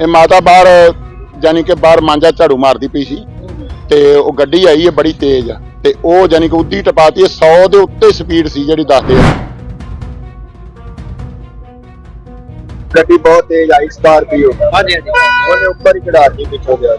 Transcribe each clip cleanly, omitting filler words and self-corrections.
ਇਹ ਮਾਤਾ ਬਾਹਰ ਜਾਨੀ ਕਿ ਬਾਹਰ ਮਾਂਜਾ ਝਾੜੂ ਮਾਰਦੀ ਪਈ ਸੀ ਤੇ ਉਹ ਗੱਡੀ ਆਈ ਹੈ ਬੜੀ ਤੇਜ਼ ਤੇ ਉਹ ਜਾਨੀ ਕਿ ਉੱਦੀ ਟਪਾਤੀ 100 ਦੇ ਉੱਤੇ ਸਪੀਡ ਸੀ ਜਿਹੜੀ ਦੱਸਦੇ ਆ। ਗੱਡੀ ਬਹੁਤ ਤੇਜ਼ ਆਈ ਸਕਾਰਪੀਓ। ਹਾਂਜੀ ਹਾਂਜੀ ਉਹਨੇ ਉੱਪਰ ਹੀ ਚੜਾ ਕੇ ਪਿੱਛੇ ਗਿਆ।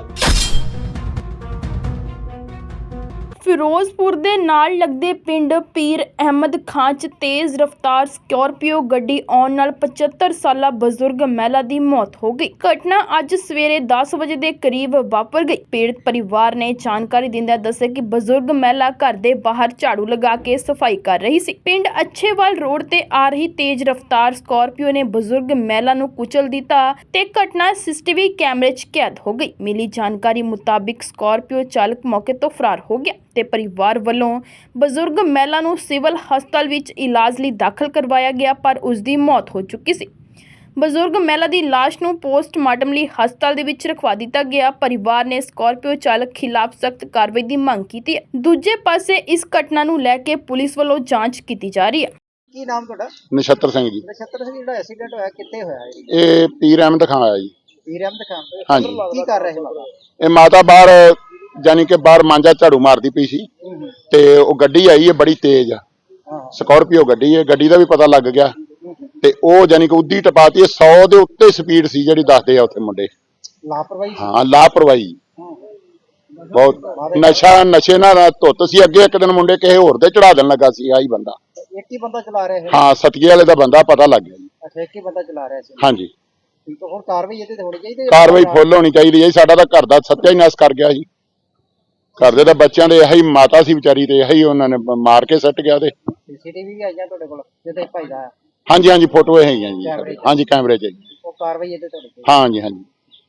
ਫਿਰੋਜ਼ਪੁਰ ਦੇ ਨਾਲ ਲੱਗਦੇ ਪਿੰਡ ਪੀਰ ਅਹਿਮਦ ਖਾਂ 'ਚ ਤੇਜ਼ ਰਫ਼ਤਾਰ ਸਕਾਰਪੀਓ ਗੱਡੀ ਆਉਣ ਨਾਲ 75 ਸਾਲਾ ਬਜ਼ੁਰਗ ਮਹਿਲਾ ਦੀ ਮੌਤ ਹੋ ਗਈ। ਘਟਨਾ ਅੱਜ ਸਵੇਰੇ 10 ਵਜੇ ਦੇ ਕਰੀਬ ਵਾਪਰ ਗਈ। ਪੀੜਤ ਪਰਿਵਾਰ ਨੇ ਜਾਣਕਾਰੀ ਦਿੰਦਿਆਂ ਦੱਸਿਆ ਕਿ ਬਜ਼ੁਰਗ ਮਹਿਲਾ ਘਰ ਦੇ ਬਾਹਰ ਝਾੜੂ ਲਗਾ ਕੇ ਸਫਾਈ ਕਰ ਰਹੀ ਸੀ। ਪਿੰਡ ਅੱਛੇਵਾਲ ਰੋਡ ਤੇ ਆ ਰਹੀ ਤੇਜ਼ ਰਫ਼ਤਾਰ ਸਕਾਰਪੀਓ ਨੇ ਬਜ਼ੁਰਗ ਮਹਿਲਾ ਨੂੰ ਕੁਚਲ ਦਿੱਤਾ ਤੇ ਘਟਨਾ ਸੀਸੀਟੀਵੀ ਕੈਮਰੇ 'ਚ ਕੈਦ ਹੋ ਗਈ। ਮਿਲੀ ਜਾਣਕਾਰੀ ਮੁਤਾਬਿਕ ਸਕਾਰਪੀਓ ਚਾਲਕ ਮੌਕੇ ਤੋਂ ਫਰਾਰ ਹੋ ਗਿਆ ਤੇ ਪਰਿਵਾਰ ਵੱਲੋਂ ਬਜ਼ੁਰਗ ਮਹਿਲਾ ਨੂੰ ਸਿਵਲ ਹਸਪਤਾਲ ਵਿੱਚ ਇਲਾਜ ਲਈ ਦਾਖਲ ਕਰਵਾਇਆ ਗਿਆ, ਪਰ ਉਸ ਦੀ ਮੌਤ ਹੋ ਚੁੱਕੀ ਸੀ। ਬਜ਼ੁਰਗ ਮਹਿਲਾ ਦੀ ਲਾਸ਼ ਨੂੰ ਪੋਸਟਮਾਰਟਮ ਲਈ ਹਸਪਤਾਲ ਦੇ ਵਿੱਚ ਰਖਵਾ ਦਿੱਤਾ ਗਿਆ। ਪਰਿਵਾਰ ਨੇ ਸਕਾਰਪੀਓ ਚਾਲਕ ਖਿਲਾਫ ਸਖਤ ਕਾਰਵਾਈ ਦੀ ਮੰਗ ਕੀਤੀ ਹੈ। ਦੂਜੇ ਪਾਸੇ ਇਸ ਘਟਨਾ ਨੂੰ ਲੈ ਕੇ ਪੁਲਿਸ ਵੱਲੋਂ ਜਾਂਚ ਕੀਤੀ ਜਾ ਰਹੀ ਹੈ। ਕੀ ਨਾਮ ਤੁਹਾਡਾ? ਨਛੱਤਰ ਸਿੰਘ ਜੀ। ਨਛੱਤਰ ਸਿੰਘ, ਜਿਹੜਾ ਐਕਸੀਡੈਂਟ ਹੋਇਆ ਕਿੱਥੇ ਹੋਇਆ ਹੈ? ਇਹ ਪੀਰ ਅਹਿਮਦ ਖਾਂ ਆਇਆ ਜੀ। ਪੀਰ ਅਹਿਮਦ ਖਾਨ। ਹਾਂਜੀ। ਕੀ ਕਰ ਰਹੇ ਮਾਤਾ? ਇਹ ਮਾਤਾ ਬਾਹਰ ਜਾਨੀ ਕਿ ਬਾਹਰ ਮਾਂਜਾ ਝਾੜੂ ਮਾਰਦੀ ਪਈ ਸੀ ਤੇ ਉਹ ਗੱਡੀ ਆਈ ਹੈ ਬੜੀ ਤੇਜ਼ ਸਕਾਰਪੀਓ ਗੱਡੀ ਹੈ। ਗੱਡੀ ਦਾ ਵੀ ਪਤਾ ਲੱਗ ਗਿਆ ਤੇ ਉਹ ਜਾਨੀ ਕਿ ਉੱਦੀ ਟਪਾਤੀ 100 ਦੇ ਉੱਤੇ ਸਪੀਡ ਸੀ ਜਿਹੜੀ ਦੱਸਦੇ ਆ ਉੱਥੇ ਮੁੰਡੇ। ਲਾਪਰਵਾਹੀ? ਹਾਂ ਲਾਪਰਵਾਹੀ ਬਹੁਤ। ਨਸ਼ੇ ਨਾਲ ਧੁੱਤ ਸੀ। ਅੱਗੇ ਇੱਕ ਦਿਨ ਮੁੰਡੇ ਕਿਸੇ ਹੋਰ ਦੇ ਚੜਾ ਦੇਣ ਲੱਗਾ ਸੀ ਆਹੀ ਬੰਦਾ। ਇੱਕ ਹੀ ਬੰਦਾ ਚਲਾ ਰਿਹਾ ਹੈ? ਹਾਂ ਸਤੀਏ ਵਾਲੇ ਦਾ ਬੰਦਾ ਪਤਾ ਲੱਗ ਗਿਆ ਜੀ। ਅੱਛਾ, ਇੱਕ ਹੀ ਬੰਦਾ ਚਲਾ ਰਿਹਾ ਸੀ। ਹਾਂਜੀ। ਠੀਕ ਹੈ, ਹੁਣ ਕਾਰਵਾਈ ਇਹਦੇ ਤੇ ਹੋਣੀ ਚਾਹੀਦੀ ਹੈ? ਕਾਰਵਾਈ ਫੁੱਲ ਹੋਣੀ ਚਾਹੀਦੀ ਹੈ। ਸਾਡਾ ਤਾਂ ਘਰ ਦਾ ਸੱਤਿਆਨਾਸ਼ ਕਰ ਗਿਆ ਜੀ। ਘਰ ਦੇ ਤਾਂ ਬੱਚਿਆਂ ਦੇ ਇਹੀ ਮਾਤਾ ਸੀ ਵਿਚਾਰੀ ਤੇ ਇਹੀ ਉਹਨਾਂ ਨੇ ਮਾਰ ਕੇ ਸੱਟ ਗਿਆ। ਤੇ ਸੀਸੀਟੀਵੀ ਵੀ ਆਈਆਂ ਤੁਹਾਡੇ ਕੋਲ ਜਿਹਦੇ ਭਾਈ ਦਾ? ਹਾਂਜੀ ਹਾਂਜੀ ਫੋਟੋ ਹੈਗੀਆਂ ਜੀ। ਹਾਂਜੀ ਕੈਮਰੇ 'ਚ। ਉਹ ਕਾਰਵਾਈ ਇਹਦੇ ਤੁਹਾਡੇ ਕੋਲ? ਹਾਂਜੀ ਹਾਂਜੀ।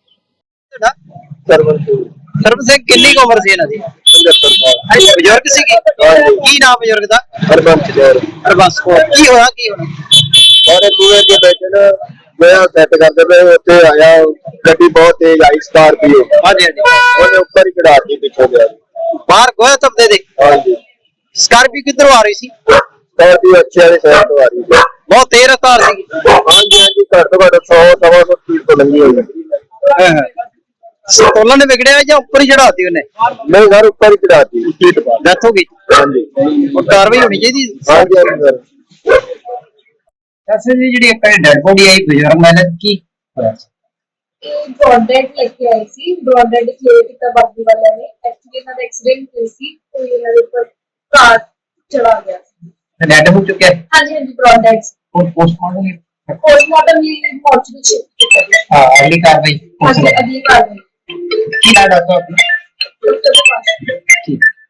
ਸਰਬ ਸਿੰਘ, ਕਿੰਨੀ ਉਮਰ ਸੀ ਇਹਨਾਂ ਦੀ? 75 ਸਾਲ। ਬਜ਼ੁਰਗ ਸੀਗੇ? ਕੀ ਨਾਮ ਬਜ਼ੁਰਗ ਦਾ? ਹਰਬੰਸ ਕੌਰ। ਕੀ ਹੋਇਆ ਔਰ ਦੂਏ ਦੇ ਬੈਠੇ ਨਾ ਮੈਂ ਸੈੱਟ ਕਰਦੇ ਪਏ ਉੱਥੇ ਆਇਆ ਗੱਡੀ ਬਹੁਤ ਤੇਜ਼ ਆਈ ਸਕਾਰਪੀਓ। ਹਾਂਜੀ ਹਾਂਜੀ ਉਹਨੇ ਉੱਪਰ ਹੀ ਚੜਾ ਕੇ ਪਿੱਛੇ ਗਿਆ। ਬਾਹਰ ਗੋਇਆ ਤਬਦੇ ਦੇ? ਹਾਂਜੀ। ਸਕਾਰਪੀਓ ਕਿੱਧਰੋਂ ਆ ਰਹੀ ਸੀ? ਸਕਾਰਪੀਓ ਅੱਛੇ ਵਾਲੇ ਸਾਈਡ ਤੋਂ ਆ ਰਹੀ ਸੀ। ਬਹੁਤ ਤੇਜ਼ ਰਫ਼ਤਾਰ ਸੀ? ਹਾਂਜੀ ਹਾਂਜੀ ਘੱਟ ਤੋਂ ਘੱਟ 100-125 ਸਪੀਡ ਤੋਂ ਲੰਘੀ ਹੋਈ ਹੈ। ਸਟੋਲਾਂ ਨੇ ਵਿਗੜਿਆ ਜਾਂ ਉੱਪਰ ਹੀ ਚੜਾਤੀ ਉਹਨੇ? ਨਹੀਂ ਸਰ ਉੱਪਰ ਹੀ ਚੜਾਤੀ। ਡੈਥ ਹੋ ਗਈ? ਹਾਂਜੀ। ਉਹ ਕਾਰਵਾਈ ਹੋਣੀ ਚਾਹੀਦੀ? ਹਾਂਜੀ ਹਾਂਜੀ ਸਰ। ਅੱਛਾ ਜੀ, ਜਿਹੜੀ ਇੱਕ ਡੈਡ ਬੋਡੀ ਆਈ ਬਜ਼ੁਰਗ ਮਹਿਲਾ ਕੀ ਹੋਇਆ? ब्रॉडबैंड लेके आई सी। ब्रॉडबैंड क्लियर किया बाकी वाले ने। एक्चुअली ना एक्सीडेंट हुई सी तो ये मेरे ऊपर कार चढ़ा गया। डैड हो चुका है? हाँ जी हाँ जी, ब्रॉडबैंड पोस्टमार्टम ये मॉर्चरी शिफ्ट कर दिया। हाँ, अगली कार्रवाई? हाँ जी, अगली कार्रवाई। क्या डॉक्टर? डॉक्टर के पास। ठीक।